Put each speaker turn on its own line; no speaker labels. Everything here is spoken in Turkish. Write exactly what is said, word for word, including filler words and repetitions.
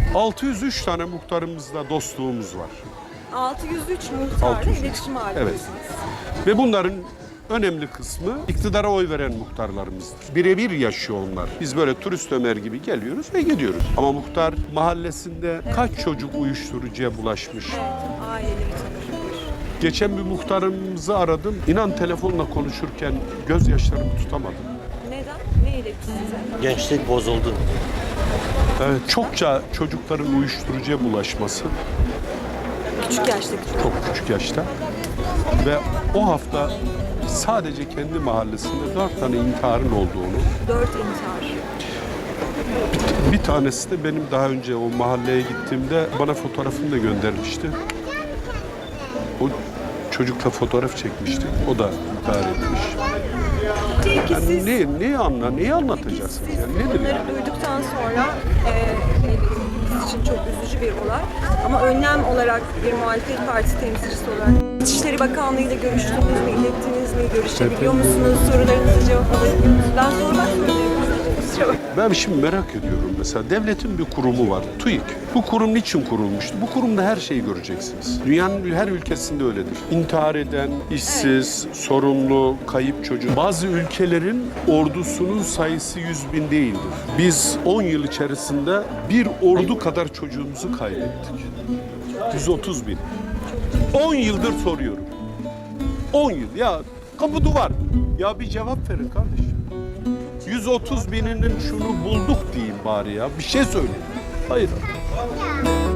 altı yüz üç tane muhtarımızla dostluğumuz var.
altı yüz üç muhtarla
altı yüz üç.
iletişim halindesiniz.
Evet. Ve bunların önemli kısmı iktidara oy veren muhtarlarımızdır. Birebir yaşıyor onlar. Biz böyle turist Ömer gibi geliyoruz ve gidiyoruz. Ama muhtar mahallesinde kaç çocuk uyuşturucuya bulaşmış?
Evet, aileleri tanır.
Geçen bir muhtarımızı aradım. İnan telefonla konuşurken gözyaşlarımı tutamadım.
Neden? Ne iletti size?
Gençlik bozuldu.
Evet, çokça çocukların uyuşturucuya bulaşması.
Küçük yaştaki çocuk.
Çok küçük yaşta. Ve o hafta sadece kendi mahallesinde dört tane intiharın olduğunu,
Dört intihar.
bir, bir tanesi de benim daha önce o mahalleye gittiğimde bana fotoğrafını da göndermişti. O çocukla fotoğraf çekmişti. O da intihar etmiş.
Peki
Yani
siz,
ne, neyi anla, neyi
peki
anlatacaksınız?
siz
Yani nedir
bunları
yani?
duyduktan sonra e, evet, biz için çok üzücü bir olay. Ama önlem olarak bir muhalefet partisi temsilcisi olarak İçişleri Bakanlığı ile görüştünüz mü, ilettiniz mi, görüşebiliyor musunuz, sorularınızı cevap alabiliyor musunuz? Ben sormak zorundayım. Kusura bakmayın.
Ben şimdi merak ediyorum mesela devletin bir kurumu var, TÜİK. Bu kurum niçin kurulmuştu? Bu kurumda her şeyi göreceksiniz. Dünyanın her ülkesinde öyledir. İntihar eden, işsiz, sorunlu, kayıp çocuk. Bazı ülkelerin ordusunun sayısı yüz bin değildir. Biz on yıl içerisinde bir ordu kadar çocuğumuzu kaybettik. yüz otuz bin. on yıldır soruyorum. on yıl. Ya kapı duvar. Ya bir cevap verin kardeşim. yüz otuz bininin şunu bulduk diyeyim bari ya. Bir şey söyleyin. Hayır.